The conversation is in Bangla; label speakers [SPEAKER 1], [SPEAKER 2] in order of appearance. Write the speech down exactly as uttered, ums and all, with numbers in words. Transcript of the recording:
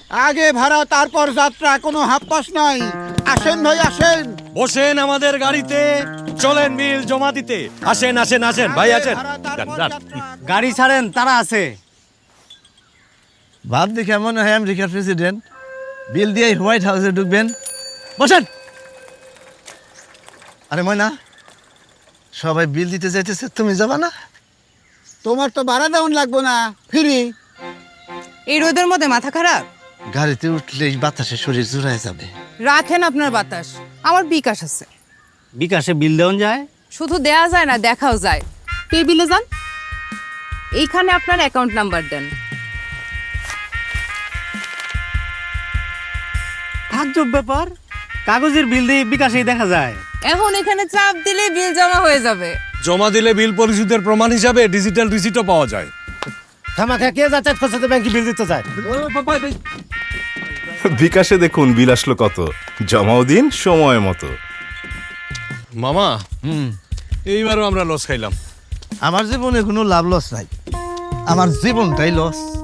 [SPEAKER 1] আগে ভাড়া তারপর যাত্রা, কোনো হাপ্পাস নাই। আসেন ভাই আসেন।
[SPEAKER 2] বসেন আমাদের গাড়িতে, চলেন বিল জমা দিতে। আসেন আসেন আসেন ভাই আসেন।
[SPEAKER 1] আগে ভাড়া, তারপর
[SPEAKER 2] যান, যান।
[SPEAKER 1] যাত্রা।
[SPEAKER 3] গাড়ি ছাড়েন, তারা আছে।
[SPEAKER 4] ভাব দেখে মনে হয় আমেরিকার প্রেসিডেন্ট বিল দিয়ে হোয়াইট হাউসে ঢুকবেন। বসেন। আরে ময়না, সবাই বিল দিতে যাইতেছে, তুমি যাবা না?
[SPEAKER 1] তোমার তো ভাড়া দেওয়ান লাগবো না, ফ্রি।
[SPEAKER 5] এই রোদের মধ্যে মাথা খারাপ?
[SPEAKER 4] গাড়িতে উঠলেই বাতাসে শরীর জুড়ায় যাবে।
[SPEAKER 5] রাখেন আপনার বাতাস, আমার বিকাশ আছে।
[SPEAKER 3] বিকাশে বিল দেওয়া যায়?
[SPEAKER 5] শুধু দেয়া যায় না, দেখাও যায়। পে বিলে যান, এইখানে আপনার অ্যাকাউন্ট নাম্বার দেন।
[SPEAKER 3] তাজ্জব ব্যাপার, কাগজের বিল দিয়ে বিকাশেই দেখা যায়।
[SPEAKER 5] এখন এখানে চাপ দিলে বিল জমা হয়ে যাবে।
[SPEAKER 2] জমা দিলে বিল পরিশোধের প্রমাণ হিসাবে ডিজিটাল রিসিটও পাওয়া যায়।
[SPEAKER 3] থামাখা কে যাচ্ছে খোঁজাতে ব্যাংকে বিল দিতে যায়?
[SPEAKER 6] বিকাশে দেখুন বিল আসলো কত, জমাও দিন সময় মতো।
[SPEAKER 2] মামা,
[SPEAKER 4] হুম,
[SPEAKER 2] এইবারও আমরা লস খাইলাম।
[SPEAKER 4] আমার জীবনে কোনো লাভ লস নাই, আমার জীবনটাই লস।